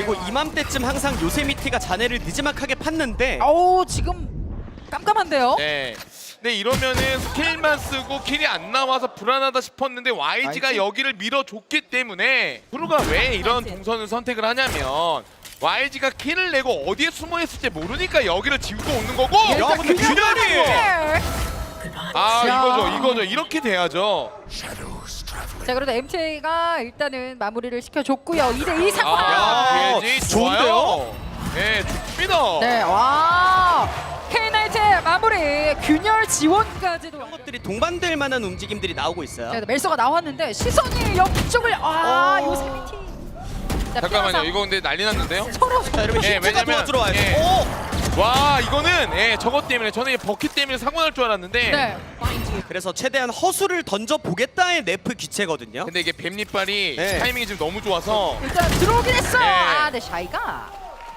그리고 이맘때쯤 항상 요세미티가 자네를 느지막하게 팠는데 지금 깜깜한데요? 네. 근데 이러면은 스킬만 쓰고 킬이 안 나와서 불안하다 싶었는데 YG가 YG? 여기를 밀어줬기 때문에 프로가 왜 이런 동선을 선택을 하냐면 YG가 킬을 내고 어디에 숨어 있을지 모르니까 여기를 지우고 오는 거고. 야, 근데 균열이! 아 이거죠. 이렇게 돼야죠. 자, 그래도 MTA가 일단은 마무리를 시켜줬고요. 2대2 상황. 야, 야, PSG 좋은데요? 좋아요. 네, 좋습니다. 네, 와. K-나이트의 마무리. 균열 지원까지도. 이런 것들이 동반될 만한 움직임들이 나오고 있어요. 자, 멜서가 나왔는데 시선이 옆쪽을 요세미티. 자, 잠깐만요. 피아사. 이거 근데 난리 났는데요? 서로 자, 여러분 예, 히트가 왜냐면- 도와주러 와요. 예. 오! 와 이거는 저것 때문에 저는 이 버킷 때문에 사고 날 줄 알았는데 네. 그래서 최대한 허수를 던져 보겠다의 네프 기체거든요. 근데 이게 뱀잎발이 네. 타이밍이 지금 너무 좋아서 일단 들어오긴 했어. 네. 네, 샤이가.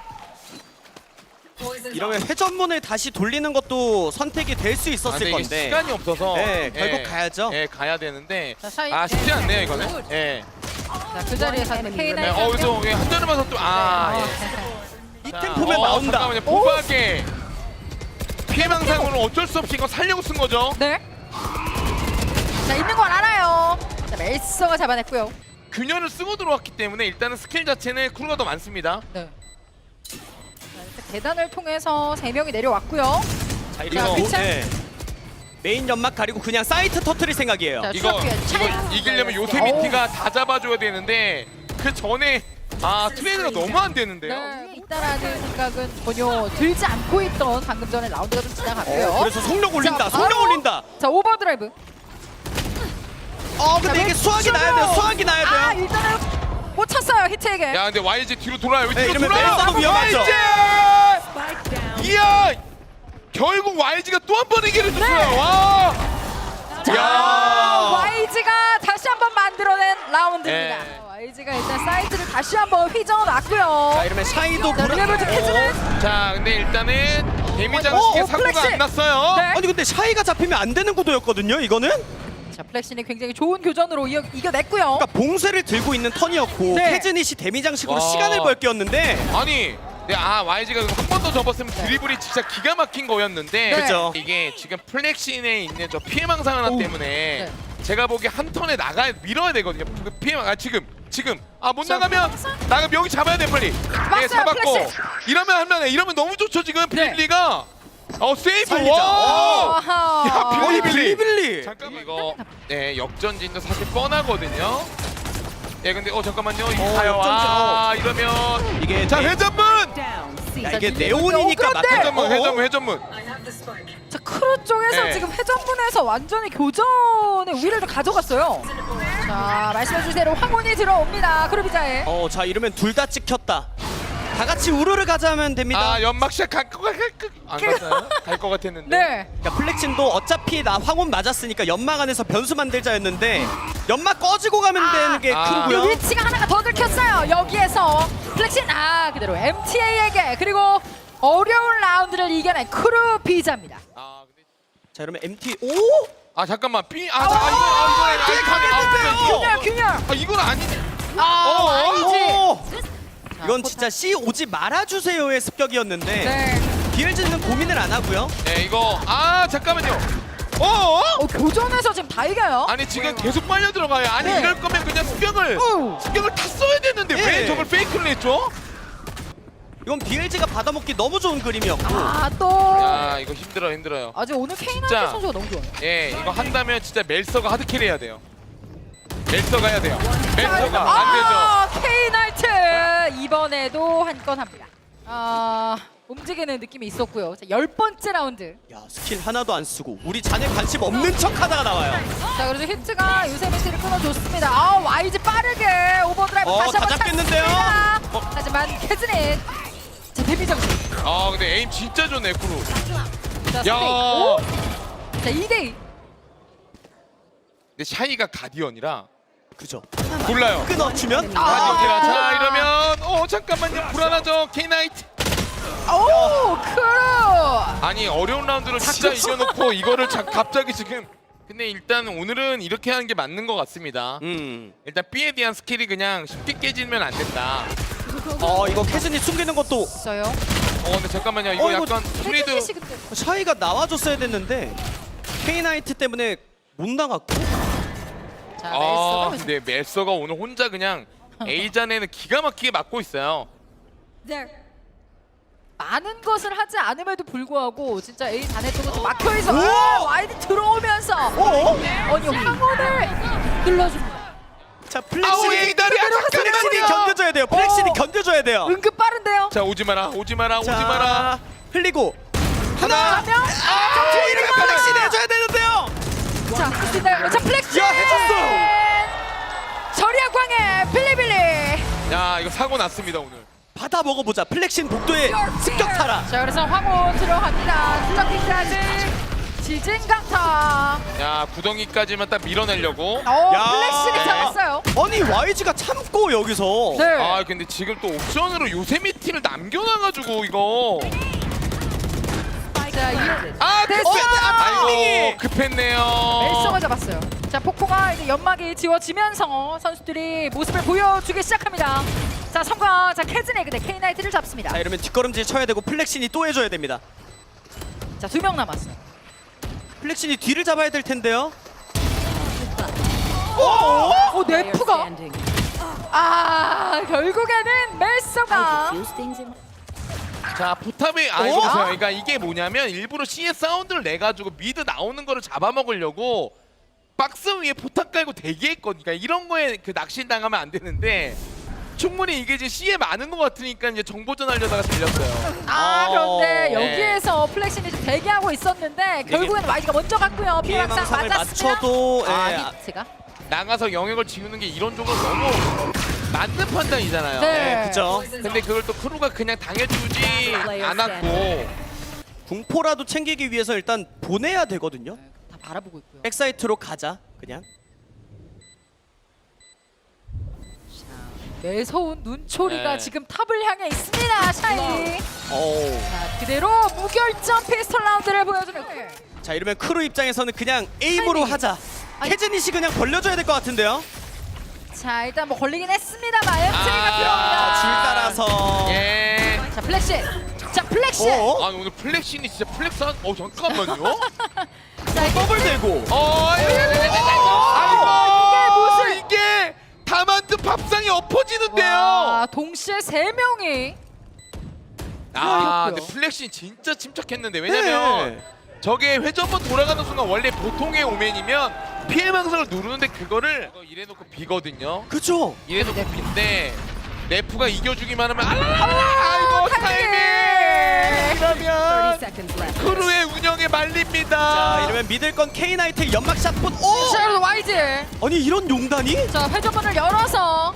이러면 회전문을 다시 돌리는 것도 선택이 될 수 아, 있었을 근데 이게 건데. 시간이 없어서 네, 결국 가야죠. 가야 되는데 자, 샤이. 쉽지 않네요 이거는. 예. 자, 그 자리에서 네, K-나이트. 그래서 한 잔을 마서 또 이 자, 템포면 나온다. 잠깐만요. 뽀뽀하게 피해망상으로 어쩔 수 없이 이거 살려고 쓴 거죠. 네. 자, 있는 건 알아요. 자, 멜서가 잡아냈고요. 균열을 쓰고 들어왔기 때문에 일단은 스킬 자체는 크루가 더 많습니다. 네. 자, 일단 계단을 통해서 3명이 내려왔고요. 자, 자, 이거 피차. 메인 연막 가리고 그냥 사이트 터트릴 생각이에요. 자, 이거 추적기에 차이. 이기려면 요세미티가 다 잡아줘야 되는데 그 전에 트레이드가 너무 안 되는데요. 네, 있다라는 생각은 전혀 들지 않고 있던 방금 전에 라운드가 좀 지나갔고요. 그래서 속력 올린다. 자, 속력 바로- 올린다. 자, 오버드라이브. 근데 이게 수학이 나야 돼요. 수학이 나야 돼요. 일단은 못 찼어요, 히트에게. 야 근데 YG 뒤로 돌아요. 네, 뒤로 이러면 돌아요. 멜서도 위험하죠. YG! 이야 결국 YG가 또 한 번 이기를 줬어요. 와. 자, 야. YG가 다시 한번 만들어낸 라운드입니다. 네. YG가 일단 사이트를 다시 한번 휘저어놨고요. 자, 이러면 샤이도 자, 리레버즈 캐즈는 자 근데 일단은 데미지 어, 장식에 어, 사고가 플렉시! 안 났어요. 네. 아니 근데 샤이가 잡히면 안 되는 구도였거든요. 이거는. 자, 플렉신이 굉장히 좋은 교전으로 이겨냈고요. 그러니까 봉쇄를 들고 있는 턴이었고 네. 캐즈닛이 데미 장식으로 와. 시간을 벌 게였는데 아니 YG가 한 번 더 접었으면 드리블이 진짜 기가 막힌 거였는데 네. 그죠. 이게 지금 플렉신에 있는 저 피해망상 하나 때문에 네. 제가 보기에 한 턴에 밀어야 되거든요. 그 피해망 지금 못 자, 나가면 여기 잡아야 돼 빨리. 맞아요, 잡았고 플렉신. 이러면 할만해. 이러면 너무 좋죠 지금 네. 빌리가. 세이브. 살리자. 와. 아하. 야, 거의 빌리. 빌리빌리. 잠깐만 이거 역전진도 사실 뻔하거든요. 근데 잠깐만요. 이거 가요. 역전진, 이러면 이게 자 네- 회전문. 야, 이게 네온이니까 그런데! 맞죠. 회전문. 자, 크루 쪽에서 네. 지금 회전문에서 완전히 교전의 우위를 좀 가져갔어요. 자, 말씀해주신 대로 황혼이 들어옵니다. 크루비자에. 자 이러면 둘 다 찍혔다. 다 같이 우르르 가자면 됩니다. 연막샷 갈것 같았는데. 네. 그러니까 플렉신도 어차피 나 황혼 맞았으니까 연막 안에서 변수 만들자였는데 연막 꺼지고 가면 되는 게 아. 이 크루고요. 위치가 하나가 더 들켰어요. 여기에서 플렉신 그대로 MTA에게 그리고 어려운 라운드를 이겨낸 크루비자입니다. 근데 자 이러면 MT 잠깐만 B 이게 가겠는데요? 균열. 이건 아니네. YG. 이건 진짜 C 오지 말아주세요의 습격이었는데 네. BLG는 고민을 안 하고요. 네 이거 잠깐만요. 교전에서 지금 다 이겨요. 아니 지금 계속 빨려 들어가요. 아니 네. 이럴 거면 그냥 습격을 다 써야 되는데 예. 왜 저걸 페이크를 했죠? 이건 BLG가 받아먹기 너무 좋은 그림이었고 또 이거 힘들어요. 아직 오늘 K-나이트 진짜. 선수가 너무 좋아요. 이거 한다면 진짜 멜서가 하드캐리 해야 돼요. 멜서가 해야 돼요. 멜서가 안 되죠. K-나이트 이번에도 한 건 합니다. 움직이는 느낌이 있었고요. 자, 10번째 라운드. 야 스킬 하나도 안 쓰고 우리 자네 관심 없는 척 하다가 나와요. 자, 그래도 히트가 요세미티를 끊어줬습니다. YG 빠르게 오버드라이브 다시 다 한번 잡겠는데요? 찾습니다. 하지만 캐즈닛 자, 데뷔 장식. 근데 에임 진짜 좋네 크루. 자, 야. 3대2. 자, 2대2. 근데 샤이가 가디언이라 그죠. 몰라요. 끊어주면 가디언이라 자 이러면 잠깐만요 불안하죠 K-나이트. 크루. 아니 어려운 라운드를 진짜 이겨놓고 이거를 갑자기 지금. 근데 일단 오늘은 이렇게 하는 게 맞는 것 같습니다. 일단 B에 대한 스킬이 그냥 쉽게 깨지면 안 된다. 이거 캐슨이 숨기는 것도 있어요. 근데 잠깐만요. 이거 이거 약간 프리드 캐슬릿이 근데 샤이가 나와줬어야 됐는데 K-나이트 때문에 못 나갔고. 자, 멜서가 근데 멜서가 오늘 혼자 그냥 A잔에는 기가 막히게 맞고 있어요. 많은 것을 하지 않음에도 불구하고 진짜 A 잔에 쪽은 좀 막혀 있어. 오! 와이드 들어오면서 아니 황혼을 눌러줍니다. 자 아우, 플렉신이 이다리야, 플렉신이 잠깐만요. 견뎌줘야 돼요. 플렉신이 견뎌줘야 돼요. 은근 빠른데요. 자, 오지 마라. 오지 마라. 오지 자, 마라. 흘리고 하나. 아, 이러면 플렉신이 해줘야 되는데요. 자, 있나요? 자, 플렉시. 야, 해줬어. 저리야 광해 빌리빌리. 야, 이거 사고 났습니다, 오늘. 받아 먹어보자. 플렉신 복도에 습격하라. 자, 그래서 황혼 들어갑니다. 투적기까지 지진 강타. 야, 구덩이까지만 딱 밀어내려고. 플렉시를 네. 잡았어요. 아니 YG가 참고 여기서. 네. 아, 근데 지금 또 옵션으로 요세미티를 남겨놔가지고 이거. 자, 됐어. 아이고, 빙이. 급했네요. 멜서가 잡았어요. 자, 폭포가 이제 연막이 지워지면서 선수들이 모습을 보여주기 시작합니다. 자, 성광. 자, 캐즈네 근데 K-나이트를 잡습니다. 자 이러면 뒷걸음질 쳐야 되고 플렉신이 또 해줘야 됩니다. 자, 2명 남았어요. 플렉신이 뒤를 잡아야 될 텐데요. 오, 네프가. 결국에는 멜서가. 자, 포탑이 이거 보세요. 그러니까 이게 뭐냐면 일부러 C의 사운드를 내 가지고 미드 나오는 거를 잡아먹으려고 박스 위에 포탑 깔고 대기했거든요. 그러니까 이런 거에 그 낚시 당하면 안 되는데 충분히 이게 이제 C에 많은 것 같으니까 이제 정보전 하려다가 들렸어요. 그런데 네. 여기에서 플렉신이 좀 대기하고 있었는데 결국에는 YG가 먼저 갔고요. 피해망상 피해망상을 맞았으면 맞춰도 히트가. 나가서 영역을 지우는 게 이론적으로 너무 맞는 판단이잖아요. 네. 그죠. 근데 그걸 또 크루가 그냥 당해주지 않았고 궁포라도 챙기기 위해서 일단 보내야 되거든요. 다 바라보고 있고요. 백사이트로 가자 그냥. 매서운 눈초리가 네. 지금 탑을 향해 있습니다. 샤이. 어우. 자, 그대로 무결점 피스톨 라운드를 보여주는. 자 이러면 크루 입장에서는 그냥 에임으로 타이밍. 하자. 아니. 캐즈닛이 그냥 벌려줘야 될 것 같은데요. 자, 일단 뭐 걸리긴 했습니다만 MT가 아, 들어옵니다. 줄 따라서. 예. 자, 플렉시. 자, 플렉시. 어? 아니 오늘 플렉신이 진짜 플렉스한 잠깐만요. 자, 이게 더블 대고. 아이고 이게 다 만든 밥상이 엎어지는데요. 와, 동시에 3명이 근데 플렉신 진짜 침착했는데 왜냐면 네. 저게 회전번 돌아가는 순간 원래 보통의 오맨이면 피해망상을 누르는데 그거를 이래놓고 비거든요. 그죠. 이래놓고 빈데 네프가 이겨주기만 하면 아이고 타이밍 이러면 크루의 운영에 말립니다. 자 이러면 믿을 건 K-나이트 연막샷 폰. 오! 자, 그래서 YG. 아니 이런 용단이? 자, 회전문을 열어서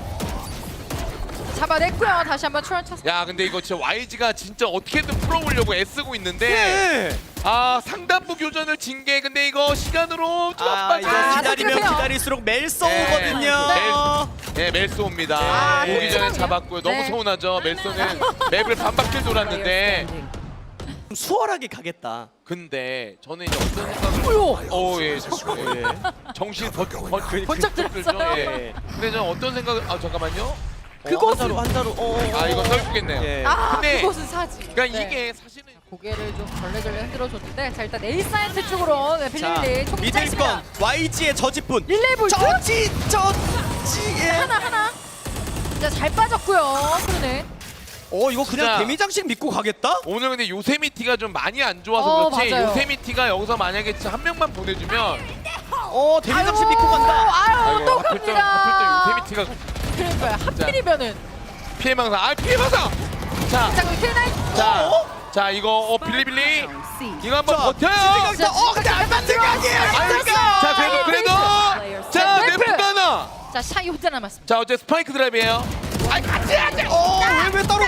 잡아냈고요. 다시 한번 출연 쳤습니다. 야 근데 이거 진짜 YG가 진짜 어떻게든 풀어보려고 애쓰고 있는데 네. 상단부 교전을 진 게 근데 이거 시간으로 좀 아 이거 기다리면 그래요. 기다릴수록 멜소 네. 오거든요. 네 멜소입니다. 네. 오기 전에 잡았고요. 너무 네. 서운하죠. 멜소는 맵을 반바퀴 돌았는데 좀 수월하게 가겠다. 근데 저는 이제 어떤 생각을 예 정신 번쩍 들었어요. 예. 근데 저는 어떤 생각을 잠깐만요. 그것으로 한자로. 이거 설프겠네요. 예. 근데 그곳은 사지. 그러니까 네. 이게 사실은 고개를 좀 절레절레 흔들어줬는데 자, 일단 A 사이트 쪽으로 자 빌릴리 총기 믿을 짧습니다. 건 YG의 저지뿐. 릴레이 볼트 저지에. 하나. 자, 잘 빠졌고요. 그러네. 이거 그냥 진짜. 데미장식 믿고 가겠다? 오늘 근데 요세미티가 좀 많이 안 좋아서 그렇지 맞아요. 요세미티가 여기서 만약에 진짜 한 명만 보내주면 데미장식 믿고 간다. 아유, 또 하필 또 갑니다. 요세미티가 그러니까요. 하필이면은 피해망상 피해망상 자, 그 K9 자 이거 빌리빌리 이거 한번 자, 버텨요 근데 안 맞는 거 아니에요? 자 그래도 자 네, 네프가 하나 자, 샤이 혼자 남았습니다. 자 어째 스파이크 드라이브예요 같이 하자 왜 따로?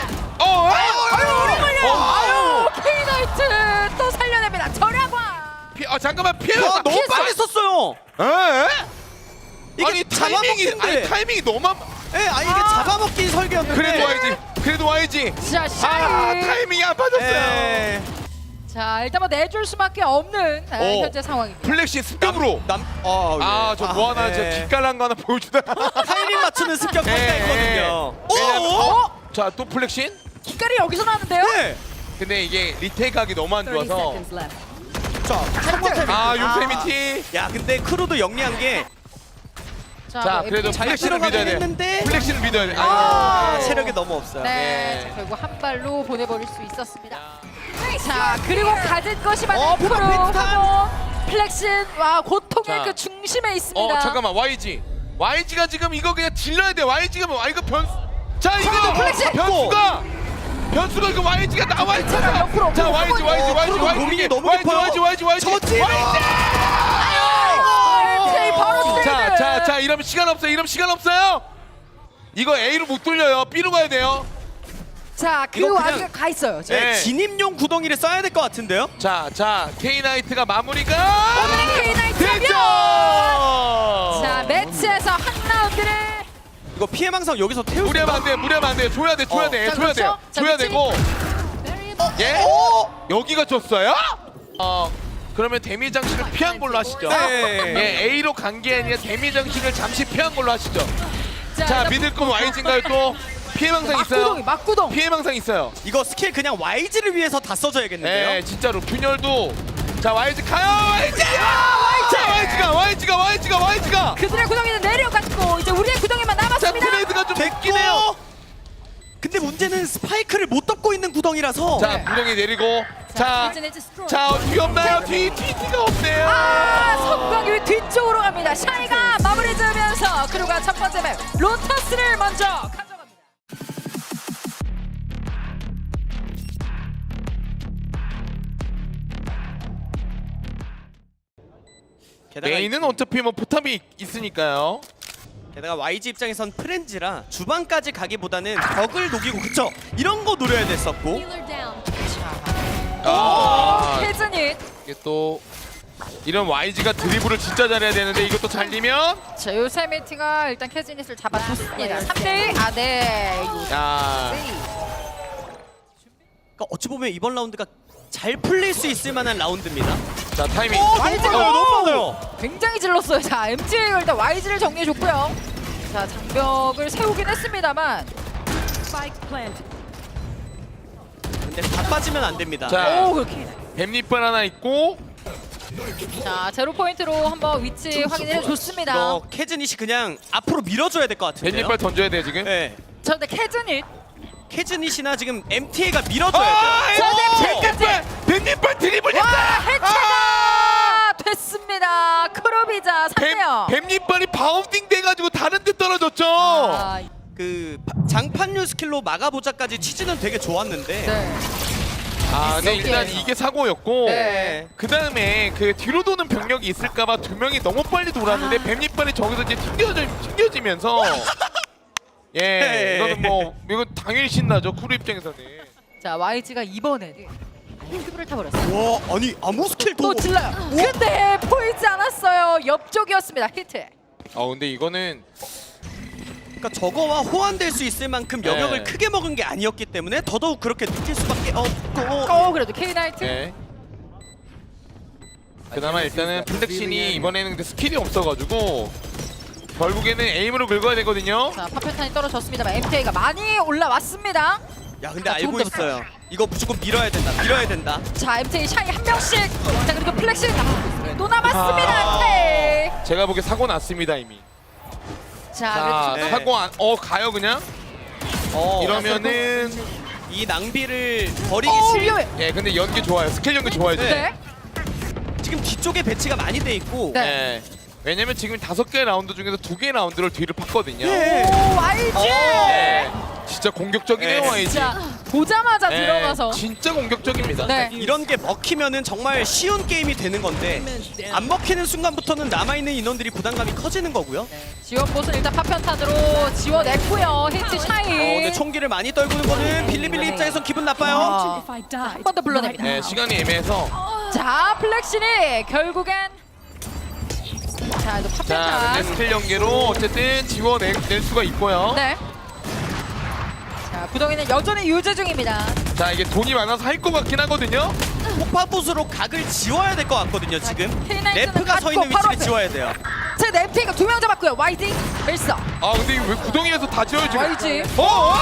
아유, K9 또 살려냅니다. 절약과. 잠깐만 와 피해망상 너무 빨리 썼어요. 이게 아니 타이밍이 너무 이게 잡아먹긴 설계였는데. 그래도 와야지 자, 샤이. 타이밍이 안 빠졌어요 자, 일단 뭐 내줄 수밖에 없는 현재 상황입니다. 플렉시 습격으로 저 뭐 하나 저 깃깔난 거 하나 보여주다 타이밍 맞추는 습격 예, 평가했거든요. 왜냐면 자, 또 플렉신? 기깔이 여기서 나는데요? 네. 근데 이게 리테이크하기 너무 안 좋아서. 자, 성공 아, 요세미티. 야, 근데 크루도 영리한 게 자, 그래도 잘 플렉신을 들어가긴 믿어야 돼. 했는데. 플렉신을 믿어야 돼. 아, 체력이 너무 없어요. 네, 네. 자, 결국 한 발로 보내버릴 수 있었습니다. 자, 그리고 가진 것이 많은 어, 프로 비슷한. 하고 플렉신, 와, 고통의 자. 그 중심에 있습니다. 잠깐만, YG가 지금 이거 그냥 질러야 돼. YG가 뭐, 이거 자, 이게 자, 플렉신! 변수가 이거 YG가 나와 있잖아. 옆으로 자, YG. 프로도 고민이 너무 깊어요. 저지! MT 바로 트레이드. 자, 이러면 시간 없어요. 이거 A로 못 돌려요. B로 가야 돼요. 자, 그 이거 그냥- 와중에 가 있어요. 네, 네. 진입용 구덩이를 써야 될 것 같은데요? 자, K-나이트가 마무리가 오늘의 K-나이트 됐죠. 자, 매치에서 한 라운드를 이거 피해망상 여기서 태우고 무리하면 안 돼. 줘야 돼. 자, 그렇죠. 자, 줘야 미치. 되고. 예? 오! 여기가 줬어요? 그러면 데미 장식을 피한 걸로 하시죠. 네. 예, A로 간 게 아니라 데미 장식을 잠시 피한 걸로 하시죠. 자, 일단 믿을 거면 YG인가요 또? 피해망상 있어요. 막구동. 피해망상 있어요. 이거 스킬 그냥 YG를 위해서 다 써줘야겠는데요? 네, 진짜로 균열도. 자, YG 가요. YG! 자, YG가. 그들의 구덩이는 내려갔고 이제 우리의 구덩이만 자, 남았습니다. 트레이드가 좀 됐긴 됐긴 해요. 근데 문제는 스파이크를 못 덮고 있는 구덩이라서 자, 구덩이 내리고. 자, 뒤 없나요? 뒤가 없네요. 성광이 뒤쪽으로 갑니다. 샤이가 마무리 지으면서 그루가 첫 번째 맵 로터스를 먼저 가져갑니다. 메인은 어차피 뭐 포탑이 있으니까요. 게다가 YG 입장에선 프렌즈라 주방까지 가기보다는 벽을 녹이고 그쵸? 이런 거 노려야 됐었고 캐즈닛. 이게 또 이런 YG가 드리블을 진짜 잘해야 되는데 이것도 잘리면 자, 요세미티가 일단 캐즈닛을 잡아줬습니다. 3대1. 네. 야, 그러니까 어찌 보면 이번 라운드가 잘 풀릴 수 있을 만한 라운드입니다. 자, 타이밍. 너무 많아요. 굉장히 질렀어요. 자, MT가 일단 YG를 정리해줬고요. 자, 장벽을 세우긴 했습니다만. 근데 다 빠지면 안 됩니다. 자, 오, 그렇게. 뱀잎발 하나 있고. 자, 제로 포인트로 한번 위치 확인해 줬습니다. 이거 캐즈닛이 그냥 앞으로 밀어줘야 될 것 같은데요. 뱀잎발 던져야 돼요 지금. 네. 자, 근데 캐즈닛. 캐즈닛이나 지금 MTA가 밀어줘야 돼요. 뱀잎발 드리블 와, 했다. 해체가 됐습니다. 크로비자 3대요. 뱀잎발이 바운딩 돼가지고 다른 데 떨어졌죠. 아, 그 장판류 스킬로 막아보자까지 취지는 되게 좋았는데 네. 근데 일단 이게 사고였고. 네. 그 다음에 그 뒤로 도는 병력이 있을까봐 두 명이 너무 빨리 돌았는데 뱀잎발이 저기서 이제 튕겨지면서 네. 이거는 뭐 이거 당연히 신나죠 쿠루 입장에서는. 자, YG가 이번에는 큐브를 타버렸어요. 와 아니 아무 스킬도 또 질러요. 근데 보이지 않았어요. 옆쪽이었습니다. 히트. 근데 이거는 그러니까 저거와 호환될 수 있을 만큼 영역을 네. 크게 먹은 게 아니었기 때문에 더더욱 그렇게 느낄 수밖에 없고 그래도 K-나이트. 네. 그나마 일단은 플렉신이 이번에는 근데 스킬이 없어가지고 결국에는 에임으로 긁어야 되거든요. 자, 파편탄이 떨어졌습니다만 MTA가 많이 올라왔습니다. 야 근데 자, 알고 조금 더 있어요. 이거 무조건 밀어야 된다. 자, MTA 샤이 한 명씩. 자, 그리고 플렉신 또 남았습니다. MTA. 제가 보기에 사고 났습니다 이미. 자, 자, 그래도 네. 사고 가요 그냥. 이러면은 이 낭비를 버리기 위험해. 예, 근데 연기 좋아요. 스킬 연기 좋아요 지금. 네. 지금 뒤쪽에 배치가 많이 돼 있고 네. 예. 왜냐면 지금 5개 라운드 중에서 2개 라운드를 뒤를 팠거든요. 네. 오, YG. 예. 진짜 공격적이네요 네. YG. 자, 보자마자 예, 들어가서. 진짜 공격적입니다. 네. 이런 게 먹히면은 정말 쉬운 게임이 되는 건데 안 먹히는 순간부터는 남아있는 인원들이 부담감이 커지는 거고요. 지원봇은 일단 파편탄으로 지워냈고요. 히트 샤이. 근데 총기를 많이 떨구는 거는 빌리빌리 입장에선 기분 나빠요. 한 번 더 불러냅니다. 네, 시간이 애매해서. 자, 플렉신이 결국엔 자, 또 자, 파편탄. 근데 스킬 연계로 어쨌든 지워낼 수가 있고요. 네. 자, 구덩이는 여전히 유지 중입니다. 자, 이게 돈이 많아서 할 것 같긴 하거든요. 폭파붓으로 각을 지워야 될 것 같거든요. 지금 K-나이트는 래프가 서 있는 갖고 바로 위치를 지워야 돼요. 자, 랩테이가 2명 잡았고요. YG, 멜서. 근데 이거 왜 구덩이에서 다 지워요 지금? YG. 어?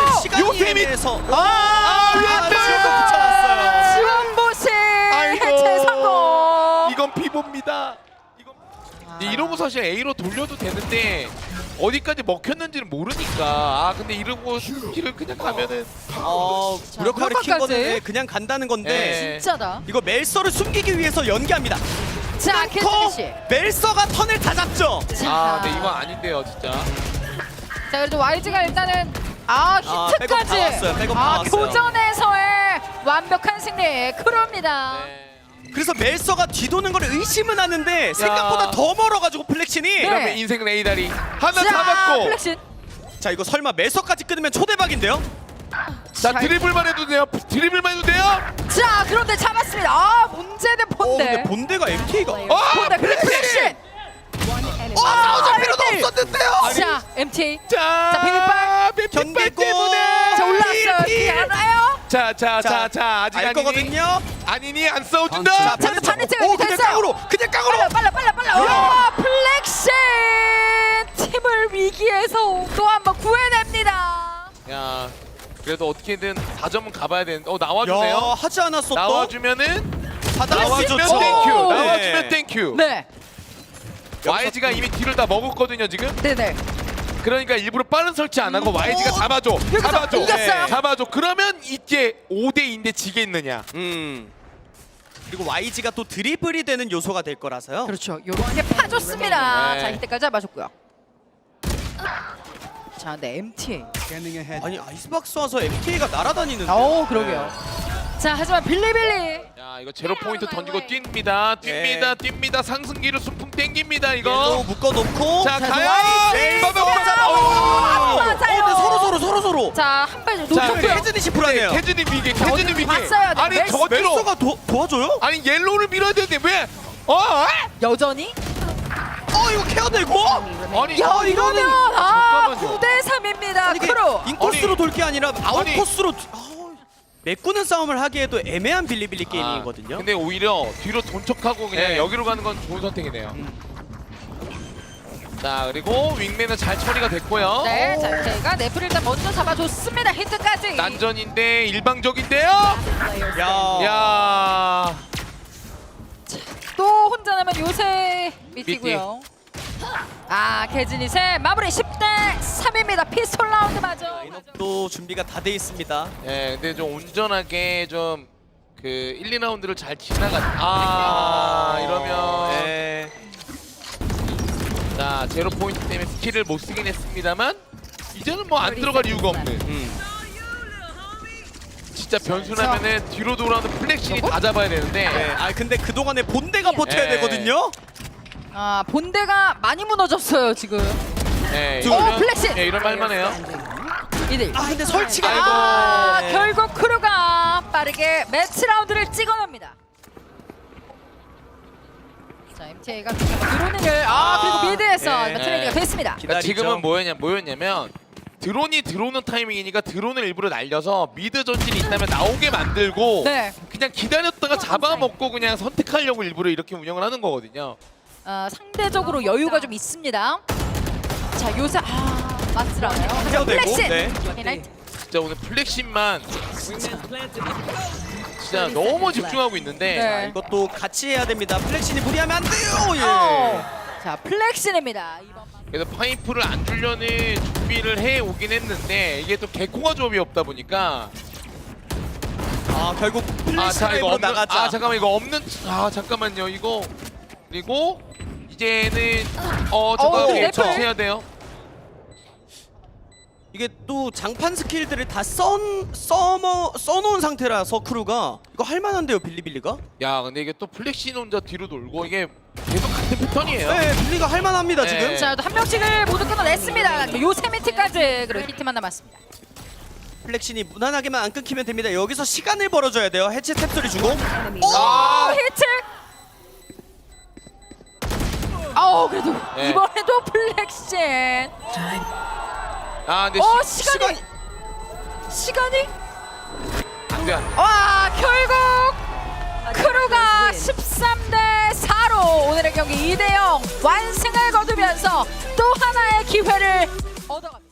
시간이 요셉이- 애매해서 윈맨! 지금 붙여놨어요. 지원 보시 아이고. 해체 성공. 이건 피보입니다. 이러고 사실 A로 돌려도 되는데 어디까지 먹혔는지는 모르니까. 근데 이러고 B를 그냥 가면은 무력화를 킨 무력화까지? 거는 그냥 간다는 건데 네. 진짜다. 이거 멜서를 숨기기 위해서 연기합니다. 자, 캐즈니 씨. 멜서가 턴을 다 잡죠. 자, 근데 이건 아닌데요, 진짜. 자, 그래도 YG가 일단은 히트까지. 백업 다 왔어요, 백업 다 왔어요. 교전에서의 완벽한 승리 크루입니다. 네. 그래서 멜서가 뒤도는 걸 의심은 하는데 생각보다 더 멀어가지고 플렉신이 네. 그러면 인생 레이다리 하나 자, 잡았고. 플렉신. 자 이거 설마 멜서까지 끊으면 초대박인데요? 자, 드리블만 해도 돼요. 드리블만 해도 돼요. 자, 그런데 잡았습니다. 문제는 본대. 근데 본대가 MT가 본대 그리고 플렉신. 싸워줄 필요도 일대일. 없었는데요. 자, MT. 자, 자, 비빔밥. 비빔밥 견디고. 때문에. 자, 올라왔어요. 뒤에 알아요? 자, 아직 알 아니니? 거거든요. 아니니 안 싸워준다. 자, 자, 반대쪽에 오 그냥 됐어요. 깡으로 그냥 깡으로. 빨라. 와, 플렉신 팀을 위기에서 또 한 번 구해냅니다. 야, 그래도 어떻게든 4점은 가봐야 되는데. 야 나와주네요. 하지 않았어 또. 나와주면은 나와주면 나와주면 좋죠. 땡큐. 네. 나와주면 땡큐. 네, YG가 이미 뒤를 다 먹었거든요 지금. 네네. 그러니까 일부러 빠른 설치 안 하고 YG가 잡아줘. 잡아줘. 이겼어요. 잡아줘. 그러면 이제 5대2인데 지겠느냐. 그리고 YG가 또 드리블이 되는 요소가 될 거라서요. 그렇죠. 요렇게 파줬습니다. 네. 자, 이때까지 잡아줬고요. 자, 네, MTA. 아니 아이스박스 와서 MTA가 날아다니는데. 그러게요. 자, 하지만 빌리빌리. 자, 이거 제로 포인트 던지고 뜁니다. 뜁니다. 상승기를 순풍 땡깁니다 옐로우 이거. 묶어놓고. 자, 가요. YG. 빠바바바. 안 맞아요. 서로. 자, 한 발 자, 놓쳤고요. 캐즈니 시프라네요. 캐즈니 위기. 캐즈니 위기. 봤어요. 네, 아니 멜스- 저지로. 멜서가 도와줘요? 아니 옐로우를 밀어야 되는데 왜? 여전히? 이거 케어되고? 아니 야, 이러면 잠깐만요. 9대 3입니다. 아니 이게 크루. 인코스로 돌 게 아니라 아웃 아니. 코스로 메꾸는 싸움을 하기에도 애매한 빌리빌리 게임이거든요. 근데 오히려 뒤로 돈 척하고 그냥 네. 여기로 가는 건 좋은 선택이네요. 자, 그리고 윙맨은 잘 처리가 됐고요. 네, 자, 제가 네프를 일단 먼저 잡아줬습니다. 히트까지. 난전인데 일방적인데요. 야. 야. 또 혼자 남은 요새 미티고요. 개즈닛의 마무리 10대 3입니다. 피스톨 라운드 맞아. 또 준비가 다 돼 있습니다. 예, 근데 좀 온전하게 좀 그 1, 2라운드를 잘 지나갔. 이러면 네. 자, 제로 포인트 때문에 스킬을 못 쓰긴 했습니다만 이제는 뭐 안 들어갈 이유가 없는. 진짜 변수라면은 뒤로 돌아오는 플렉신이 다 잡아야 되는데. 네. 근데 그 동안에 본대가 버텨야 네. 되거든요. 본대가 많이 무너졌어요 지금. 예, 플렉신! 이런 말만해요. 2대1. 근데 설치가 네. 결국 크루가 빠르게 매치 라운드를 찍어냅니다. 자, MTA가 드론을 그리고 미드에서 네. 트레이드가 됐습니다. 그러니까 기다리죠. 지금은 뭐였냐면 드론이 들어오는 타이밍이니까 드론을 일부러 날려서 미드 전진이 있다면 나오게 만들고 네. 그냥 기다렸다가 잡아먹고 그냥 선택하려고 일부러 이렇게 운영을 하는 거거든요. 상대적으로 여유가 좀 있습니다. 자, 요새 맞스라네요. 헤어되고, 플렉신. 네. 이나이트. 진짜 오늘 플렉신만 진짜 너무 집중하고 있는데 네. 이것도 같이 해야 됩니다. 플렉신이 무리하면 안 돼요. 예. 자, 플렉신입니다. 이번 그래서 파이프를 안 주려는 준비를 해 오긴 했는데 이게 또 개코가 조합이 없다 보니까 결국 자 플래시로 이거 없는 나가자. 잠깐만 이거 없는 잠깐만요 이거 그리고 이제는 잠깐만 랩을. 조심해야 돼요. 이게 또 장판 스킬들을 다 써놓은 상태라서 크루가 이거 할만한데요 빌리빌리가? 야 근데 이게 또 플렉신 혼자 뒤로 돌고 이게 계속 같은 패턴이에요. 네 빌리가 할만합니다 네. 지금. 자, 또 한 명씩을 모두 끊어냈습니다. 요새 미트까지 그리고 히트만 남았습니다. 플렉신이 무난하게만 안 끊기면 됩니다. 여기서 시간을 벌어줘야 돼요. 해체 탭소리 주고. 히트. 그래도 네. 이번에도 플렉신. 근데 시간이? 안돼 결국 크루가 13대 4로 오늘의 경기 2대 0 완승을 거두면서 또 하나의 기회를 얻어갑니다.